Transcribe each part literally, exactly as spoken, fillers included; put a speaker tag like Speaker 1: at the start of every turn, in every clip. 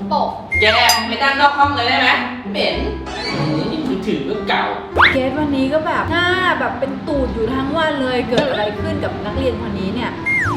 Speaker 1: ปรก
Speaker 2: แกไปนั่งนอกห้องเลยได้ไหมเหม็นนี่มือถือก็เก่า
Speaker 3: เกสวันนี้ก็แบบหน้าแบบเป็นตูดอยู่ทั้งวันเลยเกิดอะไรขึ้นกับนักเรียนคนนี้เนี่ย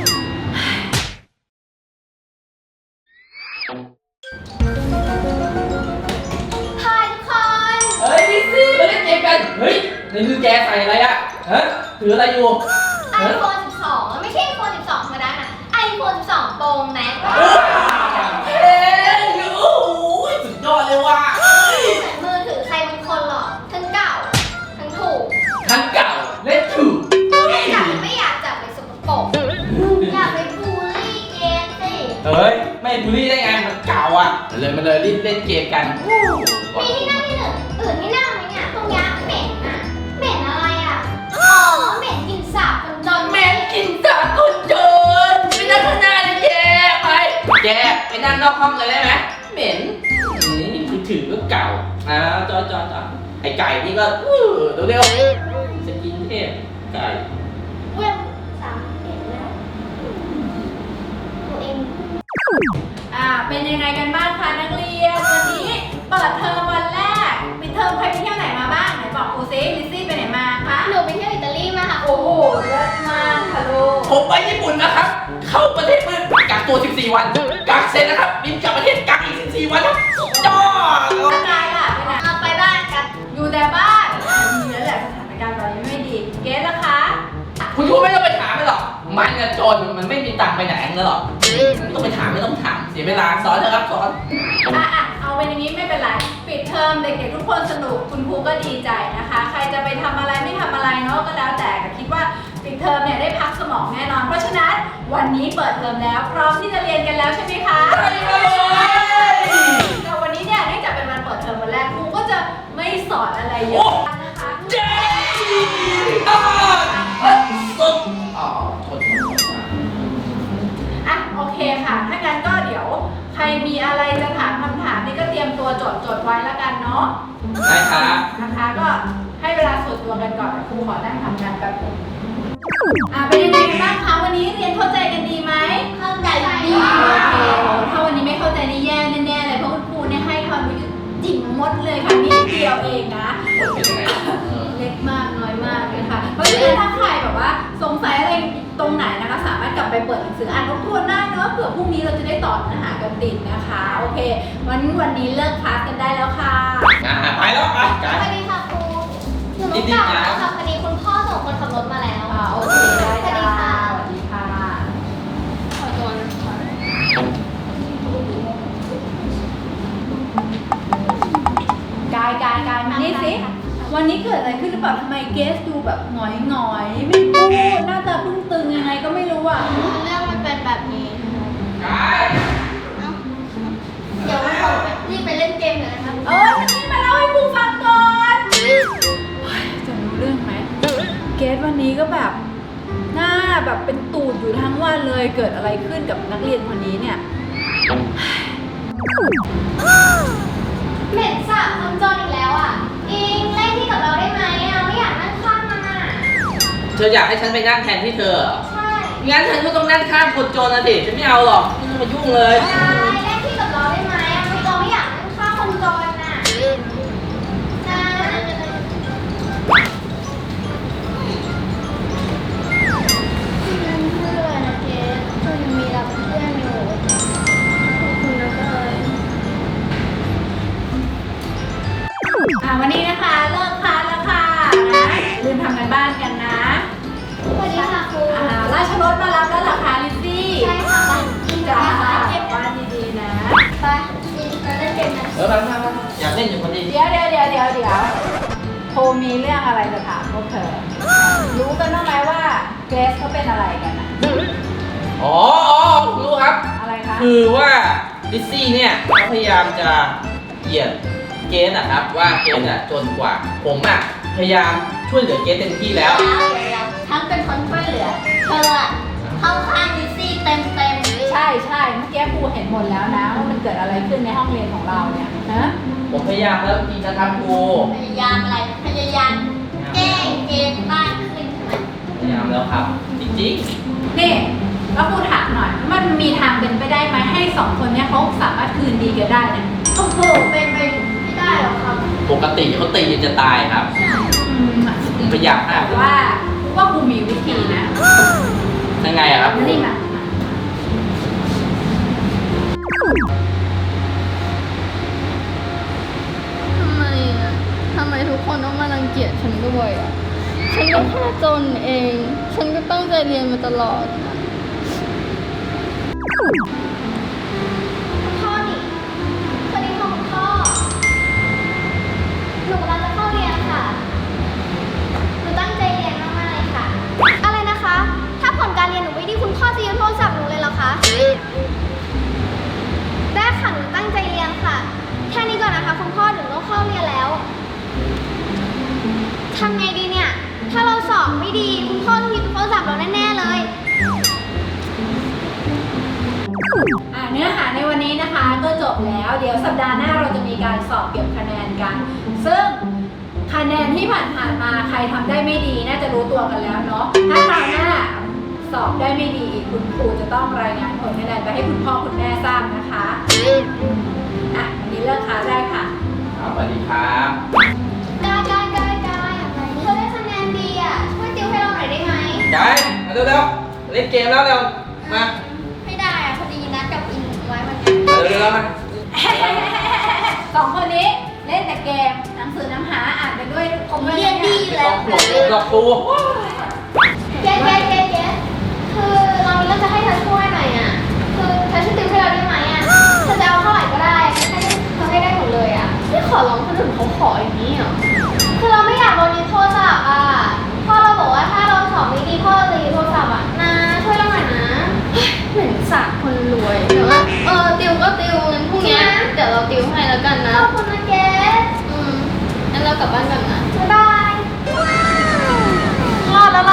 Speaker 1: ทายทุกคน
Speaker 2: เฮ้ยดิซี่มาเล่นเกมกันเฮ้ยในมือแกใส่อะไรอะฮะถืออะไรอยู่
Speaker 1: ไอโฟนสิบสองไม่ใช่ไอโฟนสิบสองธรรมดานะไอโฟนสิบสองโปรแม็กซ์
Speaker 2: เฮ้ยโอ้โหสุดยอดเลยว่ะ
Speaker 1: เหมือนมือถือใครบางคนหรอกทั้งเก่าทั้งถูก
Speaker 2: ทั้งเก่าและถูก
Speaker 1: อยากไม่อยากจับไปสกปรกอยากไปบูลลี่เกมสิ
Speaker 2: เฮ้ยไม่บูลลี่ได้ไงมันเก่าอ่ะเลยมาเลยรีบเล่นเกมกัน
Speaker 1: มีที่นั่งที่หนึ่งอื่นที่นั่งไหมเนี่ยตรงนี้เหม็นอ่ะเหม็นอะไรอ่ะอ๋อเหม็นกลิ่นสาบคนจน
Speaker 2: เหม็นกลิ่นสาบคนจนไปนั่งข้างหน้าเลยแกไปแกไปนั่งนอกห้องเลยได้ไหมเหม็นนี่มือถือก็เก่าอ่าจอจอจอไอไก่นี่ก็เร็วเร็วสกินเทพไก่
Speaker 1: เว้ยสามเห็นแล้วตัวเอง
Speaker 3: อ่าเป็นยังไงกันบ้างคะนักเรียนวันนี้เปิดเทอมวันแรกปิดเทอมใครไปเที่ยวไหนมาบ้างไหนบอกครูซิลิซซี่ไปไหนมาคะ
Speaker 1: หนูไปเที่ยวอิตาลีมาค่ะ
Speaker 3: โอ้โหเลิศมากค่ะลูก
Speaker 2: ผมไปญี่ปุ่นนะครับเข้าประเทศเมื่อกักตัวสิบสี่วันกักเสร็จนะครับบินกลับประเทศกักอีกสิบสี่วันครับสุดยอด
Speaker 3: ร่างกายล่ะไปไหน
Speaker 1: เอาไปบ้านกัน
Speaker 3: อยู่แต่บ้านดีแล้วแหละสถานการณ์ตอนนี้ไม่ดีเกสล่ะคะ
Speaker 2: คุณครูไม่ต้องไปถามไม่หรอกมันจะจนมันไม่มีตังค์ไปไหนนั่นหรอกไม่ต้องไปถามไม่ต้องถามเสียเวลาสอนเถอะครับสอน
Speaker 3: อ่ะอ่ะเอาเป็นอย่างนี้ไม่เป็นไรปิดเทอมเด็กๆทุกคนสนุกคุณครูก็ดีใจนะคะใครจะไปทำอะไรไม่ทำอะไรเนาะก็แล้วแต่คิดว่าปิดเทอมเนี่ยได้พักสมองแน่นอนเพราะฉะนั้นวันนี้เปิดเทอมแล้วพร้อมที่จะเรียนกันแล้วใช่ไหมคะ
Speaker 2: ใช่เลย
Speaker 3: แต่วันนี้เนี่ยเนื่องจากเป็นวันเปิดเทอมวันแรกครูก็จะไม่สอนอะไรเยอะนะคะ
Speaker 2: เจ๊อ่ะสุดอ๋อทน
Speaker 3: อ่ะโอเคค่ะถ้างั้นก็เดี๋ยวใครมีอะไรจะถามคำถามนี่ก็เตรียมตัวจดจดไว้แล้วกันเนาะ
Speaker 2: ได้ครับ
Speaker 3: นะคะก็ให้เวลาส่วนตัวกันก่อนครูขอนั่งทำงานแป๊บนึงอ่ะเป็นยังไงกันบ้างคะวันนี้เรียนเข้าใจกันดีไหม
Speaker 1: เข้าใจดี
Speaker 3: โอเคถ้าวันนี้ไม่เข้าใจนี่แย่แน่ๆเลยเพราะคุณครูเนี่ยให้ความรู้จิ๋มมดเลยค่ะนี่เดียวเองนะเล็กมากน้อยมากนะคะเพราะฉะนั้นถ้าใครแบบว่าสงสัยอะไรตรงไหนนะคะสามารถกลับไปเปิดหนังสืออ่านทบทวนได้เนอะเผื่อพรุ่งนี้เราจะได้ต่อเนื้อหากันติดนะคะโอเควันวันนี้เลิกคลาสกันได้แล้วค่ะ
Speaker 2: อ่าไปแล้วไปกัน
Speaker 1: สวัสดีค่ะครูหนูต้องกลับแล้วค่ะพอดีคุณพ่อส่งคนขับรถมาแล้ว
Speaker 3: อ่าโอเคได้ค่ะสวัสดีค่ะ
Speaker 1: ขอตัวนะคะ
Speaker 3: กายกายกายมานี่สิวันนี้เกิดอะไรขึ้นหรือเปล่าทำไมเกสดูแบบหงอยหงอยไม่พูดหน้าตาพึ่งตึงยังไงก็ไม่รู้อ่ะ
Speaker 1: เรื่องมันเป็นแบบนี้
Speaker 2: กาย
Speaker 1: เดี๋ยวเรารีบไปเล่นเกมเลยนะครับ
Speaker 3: เออวันนี้มาเล่าให้ครูฟังก่อนจะรู้เรื่องไหมเกสวันนี้ก็แบบหน้าแบบเป็นตูดอยู่ทั้งวันเลยเกิดอะไรขึ้นกับนักเรียนคนนี้เนี่ย
Speaker 1: เหม็นสาบคนจนอีกแล้วอ่ะอิงเล่นที่กับเราได้ไหมอ่ะไม่อยากนั่งข้างมันอ่ะ
Speaker 2: เธออยากให้ฉันไปนั่งแทนที่เธอ
Speaker 1: ใช่
Speaker 2: งั้นฉันก็ต้องนั่งข้างคนจนนะสิฉันไม่เอาหรอกไม่ต้องมายุ่งเลย
Speaker 1: เล่นที่กับเราได้ไหมอ่ะไม่เราไม่อยากนั่งข้างคนจนอ่ะนะเพื่อนนะเจ๊เธอยังมีเราเป็นเพื่อนอยู่ขอบคุณนะเต้ย
Speaker 3: อ่าวันนี้นะคะเลิกคลาสแล้วค่ะนะลืมทำกันบ้านกันนะ
Speaker 1: สวัสดีค่ะครู
Speaker 3: อ่าราชรถมารับแล้วเหรอคะลิซซี่
Speaker 1: ใช่ค่ะ
Speaker 3: จ้าเก็บบ้านดีๆนะ
Speaker 1: ไปอิงเราเล่นเกมกัน
Speaker 2: เออไปไปอยากเล่นอยู่คนเดียว
Speaker 3: เดี๋ยวเดี๋ยวเดี๋ยวเดี๋ยวเดี๋ยวโทรมีเรื่องอะไรจะถามพวกเธอรู้กันบ้างไหมว่าเกรซเขาเป็นอะไรกันนะ
Speaker 2: อ๋ออ๋อรู้ครับ
Speaker 3: อะไรคะ
Speaker 2: คือว่าลิซซี่เนี่ยเขาพยายามจะเหยียดเกสอะครับว่าเกสอะจนกว่าผมอะพยายามช่วยเหลือเกสเต็มที่แล้ว
Speaker 1: ทั้งเป็นคนช่วยเหลือเธอเข้าข้างลิซซี่เต็มเต็ม
Speaker 3: ใช่ใช่เมื่อกี้ครูเห็นหมดแล้วนะว่ามันเกิดอะไรขึ้นในห้องเรียนของเราเนี่ยฮะ
Speaker 2: ผมพยายามแล้วจริงนะครับครู
Speaker 1: พยายามอะไรพยายามแก้เกมมากขึ้นใช่ไหม
Speaker 2: พยายามแล้วครับจริงๆ
Speaker 3: นี่แล้วครูถามหน่อยมันมีทางเป็นไปได้ไหมให้สองคนนี้เขาสามารถคืนดีกันได้นะ
Speaker 1: โอ้โหเป็นไปไม่ได้หรอกครับ
Speaker 2: ปกติเขาตีจะตายครับ
Speaker 3: อืม
Speaker 2: ผมพยายามห้าม
Speaker 3: แต่ว่าว่าครูมีวิธีนะ
Speaker 2: ยังไงอะครับ
Speaker 3: นี่มา
Speaker 4: ทำไมอ่ะ ทำไมทุกคนต้องมารังเกียจฉันด้วยอ่ะ ฉันก็แค่จนเอง ฉันก็ตั้งใจเรียนมาตลอด
Speaker 1: คุณพ่อนี่สวัสดีค่ะคุณพ่อ หนูกำลังจะเข้าเรียนค่ะ หนูตั้งใจเรียนมากๆเลยค่ะ อะไรนะคะ ถ้าผลการเรียนหนูไม่ดีคุณพ่อจะยึดโทรศัพท์หนูเลยเหรอคะ ได้ค่ะ หนูตั้งใจเรียนค่ะ แค่นี้ก่อนนะคะคุณพ่อหนูต้องเข้าเรียนแล้ว ทำไงดีเนี่ย ถ้าเราสอบไม่ดีคุณพ่อต้องยึดโทรศัพท์เราแน่ๆเลย
Speaker 3: อ่ะเนื้อหาในวันนี้นะคะก็จบแล้ว เดี๋ยวสัปดาห์หน้าเราจะมีการสอบเก็บคะแนนกัน ซึ่งคะแนนที่ผ่านๆมาใครทำได้ไม่ดีน่าจะรู้ตัวกันแล้วเนาะ ถ้าคราวหน้าสอบได้ไม่ดีอีกคุณครูจะต้องรายงานผลคะแนนไปให้คุณพ่อคุณแม่ทราบนะคะอ่ะวันนี้เลิกค้าได้ค่ะ
Speaker 2: ครับสวัสดีครับ
Speaker 1: กายกายกายกายเธอได้คะแนนดีอ่ะ ช่วยติวให้เราหน่อยได้ไหม
Speaker 2: กายมาเร็วๆเล่นเกมแล้วเร็ว มา
Speaker 1: ไม่ได้อ่ะพอดีนัดกับอินไว้วันนี้
Speaker 2: เร็วๆมา
Speaker 3: สองคนนี้เล่นแต่เกมหนังสือน้ำหาอ่านไปด้วยคง
Speaker 1: เรียนดีอยู่
Speaker 2: หล
Speaker 1: แล้ว
Speaker 2: อกปูหลอกปู
Speaker 1: เจ๊เจ๊เจ๊เจ๊คือเรามีเรื่องจะให้เธอช่วยหน่อยอ่ะ คือเธอช่วยติวให้เราได้ไหมอ่ะ เธอจะเอาเท่าไหร่ก็ได้ให้เธอให้ได้หมดเลยอ่ะไม่ขอร้องคนอื่นเขาขออย่างนี้เหรอ คือเราไม่อยากโดนยึดโทรศัพท์อ่ะ พ่อเราบอกว่าถ้าเราสอบไม่ดีพ่อเราจะยึดโทรศัพท์อ่ะนะช่วยเราหน่อยนะ
Speaker 4: เหมือนสาคนรวยเดี๋ยวว่าเออ ติวก็ติวงั้นพรุ่งเนี้ยเดี๋ยวเราติวให้แล้วกันนะ
Speaker 1: ขอบคุณนะเจ๊
Speaker 4: อืมงั้นเรากลับบ้านกันนะ
Speaker 1: บ๊ายบาย รอดแล้วเรา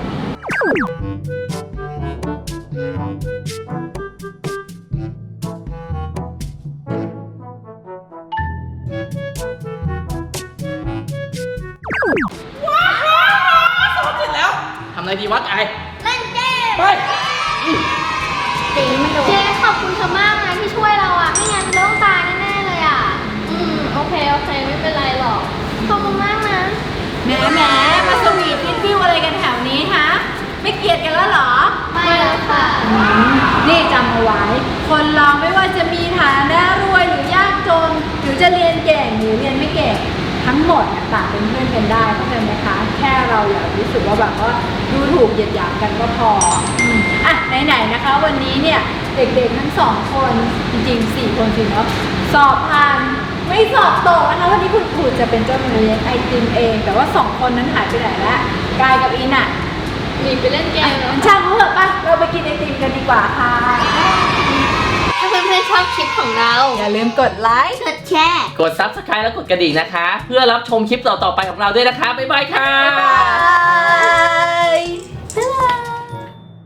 Speaker 2: เสร็จแล้วทำอะไรดีวะกาย
Speaker 1: เล่นเกม
Speaker 2: ไป
Speaker 1: ตีไม่โดนเจ๊ขอบคุณเธอมากนะที่ช่วยเราอ่ะ ไม่งั้นเราต้องตายแน่ๆเลยอ่ะ
Speaker 4: อืม โอเค โอเค ไม่เป็นไรหรอก
Speaker 1: ขอบคุณมากนะ
Speaker 3: แหมแหมมาสวีทฟินฟิวอะไรกันแถวนี้ฮะ ไม่เกลียดกันแล้วเหรอ
Speaker 1: ไม่แล้วค่ะ
Speaker 3: นี่จำเอาไว้ คนเราไม่ว่าจะมีฐานะรวยหรือยากจน หรือจะเรียนเก่งหรือเรียนไม่เก่ง ทั้งหมดเนี่ยต่างเป็นเพื่อนกันได้เข้าใจไหมคะ แค่เราอย่ารู้สึกว่าแบบว่าดูถูกเหยียดหยามกันก็พออืมอ่ะไหนๆนะคะ วันนี้เนี่ยเด็กๆทั้งสองคนจริงๆสี่คนสิเนาะสอบผ่านไม่สอบตกนะคะวันนี้คุณครูจะเป็นเจ้ามือเลี้ยงไอติมเอง แต่ว่าสองคนนั้นหายไปไหนแล้วกายกับอินอะ
Speaker 4: หนีไปเล่นเกมแล้ว
Speaker 3: ช่างเขาเถอะป่ะเราไปกินไอติมกันดีกว่าค่ะ
Speaker 4: ถ้าเพื่อนๆชอบคลิปของเรา
Speaker 3: อย่าลืมกดไลค์
Speaker 1: กดแชร์
Speaker 2: กด ซับสไครบ์ และกดกระดิ่งนะคะ เพื่อรับชมคลิปต่อๆไปของเราด้วยนะคะ บ๊ายบายค่ะ
Speaker 3: บ๊ายบาย
Speaker 1: บ๊ายบาย